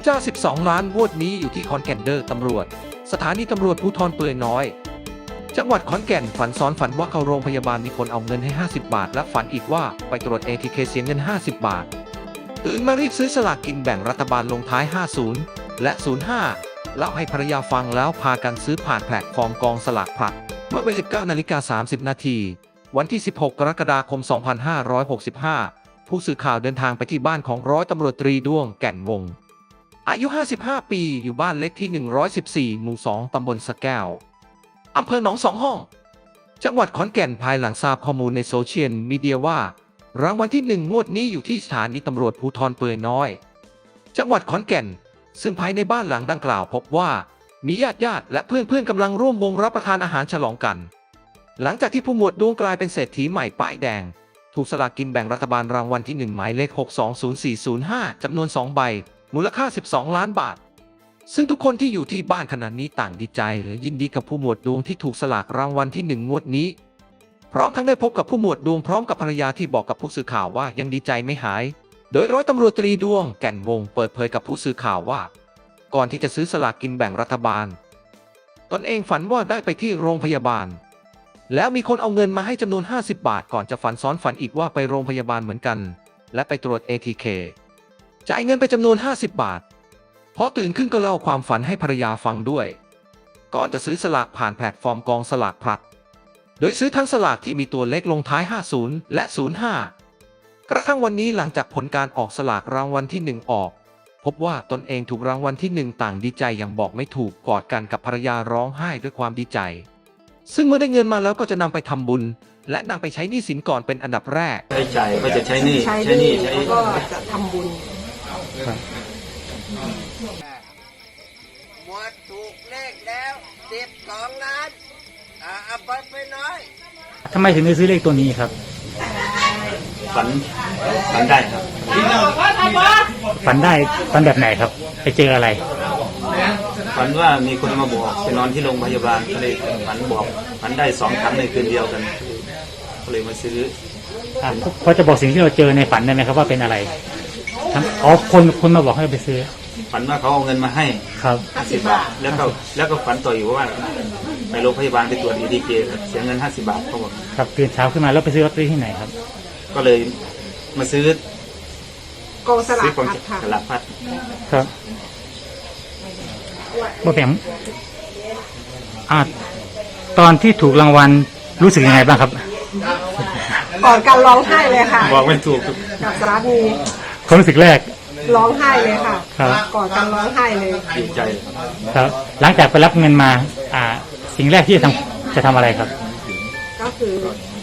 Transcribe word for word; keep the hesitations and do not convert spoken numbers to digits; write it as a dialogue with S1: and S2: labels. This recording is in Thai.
S1: อจ้าสิบสองล้านงวดนี้อยู่ที่ขอนแก่นเดอร์ตำรวจสถานีตำรวจภูธรเปื่อยน้อยจังหวัดขอนแก่นฝันซ้อนฝันว่าเข้าโรงพยาบาลมีคนเอาเงินให้ห้าสิบบาทและฝันอีกว่าไปตรวจ เอ ที เค เสียเงินห้าสิบบาทตื่นมารีบซื้อสลากกินแบ่งรัฐบาลลงท้ายห้าสิบและศูนย์ห้าเล่าให้ภรรยาฟังแล้วพากันซื้อผ่านแพลตฟอร์มกองสลากพลัดเมื่อเวลา สิบเก้านาฬิกาสามสิบนาทีวันที่สิบหกกรกฎาคมสองพันห้าร้อยหกสิบห้าผู้สื่อข่าวเดินทางไปที่บ้านของร้อยตำรวจตรีด้วงแก่นวงศ์อายุห้าสิบห้าปีอยู่บ้านเล็กที่หนึ่งร้อยสิบสี่หมู่สองตำบลสะแก้วอำเภอหนองสองห้องจังหวัดขอนแก่นภายหลังทราบข้อมูลในโซเชียลมีเดียว่ารางวัลที่หนึ่งงวดนี้อยู่ที่สถานีตำรวจภูธรเปื่อยน้อยจังหวัดขอนแก่นซึ่งภายในบ้านหลังดังกล่าวพบว่ามีญาติญาติและเพื่อนเพื่อนกำลังร่วมวงรับประทานอาหารฉลองกันหลังจากที่ผู้หมวดดวงกลายเป็นเศรษฐีใหม่ป้ายแดงถูกสลากกินแบ่งรัฐบาลรางวัลที่หนึ่งหมายเลขหก สอง ศูนย์ สี่ ศูนย์ ห้าจำนวนสองใบมูลค่าสิบสองล้านบาทซึ่งทุกคนที่อยู่ที่บ้านขณะนี้ต่างดีใจและยินดีกับผู้หมวดดวงที่ถูกสลากรางวัลที่หนึ่งงวดนี้พร้อมทั้งได้พบกับผู้หมวดดวงพร้อมกับภรรยาที่บอกกับผู้สื่อข่าวว่ายังดีใจไม่หายโดยร้อยตำรวจตรีดวงแก่นวงศ์เปิดเผยกับผู้สื่อข่าวว่าก่อนที่จะซื้อสลากกินแบ่งรัฐบาลตนเองฝันว่าได้ไปที่โรงพยาบาลแล้วมีคนเอาเงินมาให้จำนวนห้าสิบบาทก่อนจะฝันซ้อนฝันอีกว่าไปโรงพยาบาลเหมือนกันและไปตรวจ เอ ที เค จ่ายเงินไปจำนวนห้าสิบบาทพอตื่นขึ้นก็เล่าความฝันให้ภรรยาฟังด้วยก่อนจะซื้อสลากผ่านแพลตฟอร์มกองสลากพลัดโดยซื้อทั้งสลากที่มีตัวเลขลงท้ายห้าสิบและศูนย์ห้ากระทั่งวันนี้หลังจากผลการออกสลากรางวัลที่หนึ่งออกพบว่าตนเองถูกรางวัลที่หนึ่งต่างดีใจอย่างบอกไม่ถูกกอดกันกับภรรยาร้องไห้ด้วยความดีใจซึ่งเมื่อได้เงินมาแล้วก็จะนำไปทำบุญและนำไปใช้หนี้สินก่อนเป็นอันดับแรก
S2: ใช้จ่ายก็จะใช้หนี้
S3: ใช้หนี้แล้วก็จะทำบุญ
S4: หมดถูกเลขแล้วสิบสองล้านอ่าเอาไปไปน้อย
S5: ทำไมถึงได้ซื้อเลขตัวนี้ครับ
S2: ฝันฝันได้ครับ
S5: ฝันได้ฝันแบบไหนครับไปเจออะไร
S2: ฝันว่ามีคนมาบอกไปนอนที่โรงพยาบาลก็เลยฝันบอกฝันได้สองครั้งในคืนเดียวกันก็เลยมาซื้อ
S5: พอจะบอกสิ่งที่เราเจอในฝันได้ไหมครับว่าเป็นอะไรอ๋อคนคนมาบอกให้ไปซื้อ
S2: ฝันว่าเขาเอาเงินมาให้
S5: ครับ
S2: ห้าสิบบาทแล้วก็แล้วก็ฝันต่ออยู่ว่าไปโรงพยาบาลไปตรวจ เอ ที เค เสียเงินห้าสิบบาทเขาบอก
S5: ครับตื่นเช้าขึ้นมาแล้วไปซื้อลอตเตอรี่ที่ไหนครับ
S2: ก็เลยมาซื้
S3: กองสลากพัด
S2: สลากพัด
S5: ครับบ่แบ่งอ่าตอนที่ถูกรางวัลรู้สึกยังไงบ้างครับ
S3: ก่อนการร้องไห้เลยค่ะ
S2: บอกไม่ถูก
S3: กับสามี
S5: ความรู้สึกแรก
S3: ร้องไห้เลยค่ะก่อนการร้องไห้เลย
S2: ดีใจ
S5: ครับหลังจากไปรับเงินมาอ่าสิ่งแรกที่จะทำจะทำอะไรครับ
S3: ก็คือ